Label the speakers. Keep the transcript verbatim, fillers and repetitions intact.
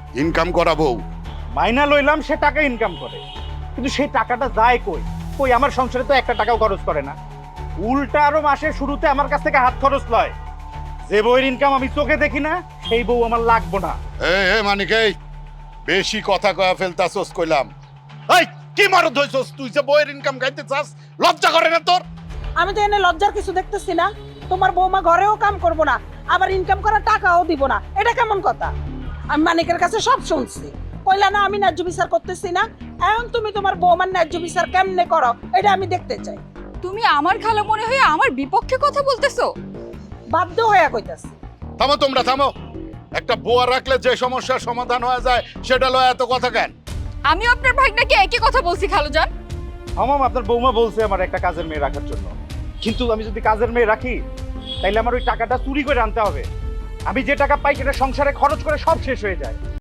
Speaker 1: Income করা বউ।
Speaker 2: মাইনা লইলাম সে টাকা ইনকাম করে, কিন্তু সেই টাকাটা যায় কই? কই আমার সংসারে তো একটা টাকাও খরচ করে না, উল্টা আরো মাসের শুরুতে আমার কাছ থেকে হাত খরচ লয়। যে বউয়ের ইনকাম আমি চোখে দেখি না সেই বউ আমার লাগবো না।
Speaker 1: এ এ মানিক, এই বেশি কথা কয়া ফেলতাছস কইলাম। এই কি মারদ হইছস তুই, যে বউয়ের ইনকাম খাইতে চাস? লজ্জা করে না তোর?
Speaker 3: আমি তো এনে লজ্জার কিছু দেখতেছি না। তোমার বৌমা ঘরেও কাম করবো না, আবার ইনকাম করার টাকাও দিব না, এটা কেমন কথা? আমি মানিকের কাছে সব শুনছি, কইলা না আমি ন্যায্য বিচার করতেছি না। এখন তুমি তোমার বৌমার ন্যায্য বিচার কেমনে করো এটা আমি দেখতে চাই।
Speaker 4: তুমি আমার খালা মনে হয়ে আমার বিপক্ষে কথা বলতেছো?
Speaker 3: বাধ্য হয়ে কইতাছি।
Speaker 1: থামো তোমরা, থামো। একটা বউয়া রাখলে যে সমস্যার সমাধান হয়ে যায় সেটা লয় এত কথা কেন?
Speaker 4: আমি আপনার ভাগনাকে একই কথা বলছি খালুজান।
Speaker 2: আমাম আপনার বৌমা বলছে আমার একটা কাজের মেয়ে রাখার জন্য, কিন্তু আমি যদি কাজের মেয়ে রাখি তাইলে আমার ওই টাকাটা চুরি করে আনতে হবে। আমি যে টাকা পাই সেটা সংসারে খরচ করে সব শেষ হয়ে যায়।